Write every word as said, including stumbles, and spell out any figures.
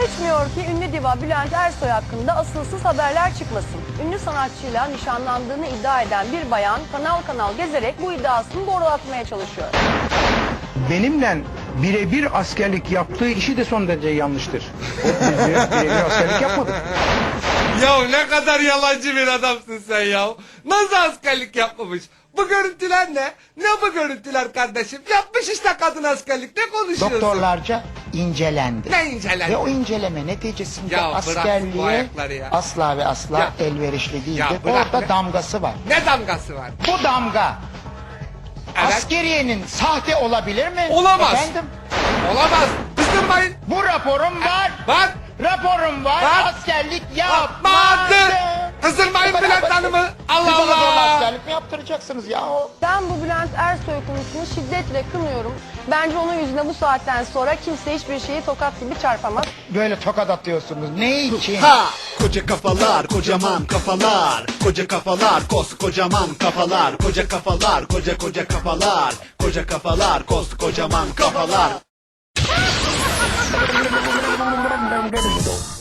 Geçmiyor ki ünlü diva Bülent Ersoy hakkında asılsız haberler çıkmasın. Ünlü sanatçıyla nişanlandığını iddia eden bir bayan kanal kanal gezerek bu iddiasını doğrulatmaya çalışıyor. Benimle birebir askerlik yaptığı işi de son derece yanlıştır. O biz birebir askerlik yapmadık. Ya ne kadar yalancı bir adamsın sen ya. Nasıl askerlik yapmamış? Bu görüntüler ne? Ne bu görüntüler kardeşim? Yapmış işte kadın askerlik. Ne konuşuyorsun? Doktorlarca incelendi. Ne incelendi? Ve o inceleme neticesinde Ya bırak bu askerliğe ayakları ya. asla ve asla Ya. elverişli değildir. Ya bırak Orada be. damgası var. Ne damgası var? Bu damga Evet. askeriyenin sahte olabilir mi? Olamaz. Efendim? Olamaz. Kızdırmayın. Bu raporum var. Bak. Raporum var. Bak. Askerlik Yapmadı. yapmadı. Kızdırmayın Bülent Hanım'ı. Allah Siz ona zorla Allah. askerlik mi yaptıracaksınız ya? Ben bu Bülent Ersoy konusunu şiddetle kınıyorum. Bence onun yüzüne bu saatten sonra kimse hiçbir şeyi tokat gibi çarpamaz. Böyle tokat atıyorsunuz. Ne için? Ha! Koca kafalar, kocaman kafalar. Koca kafalar, koskocaman kafalar. Koca kafalar, koca koca kafalar. Koca kafalar, koskocaman kafalar.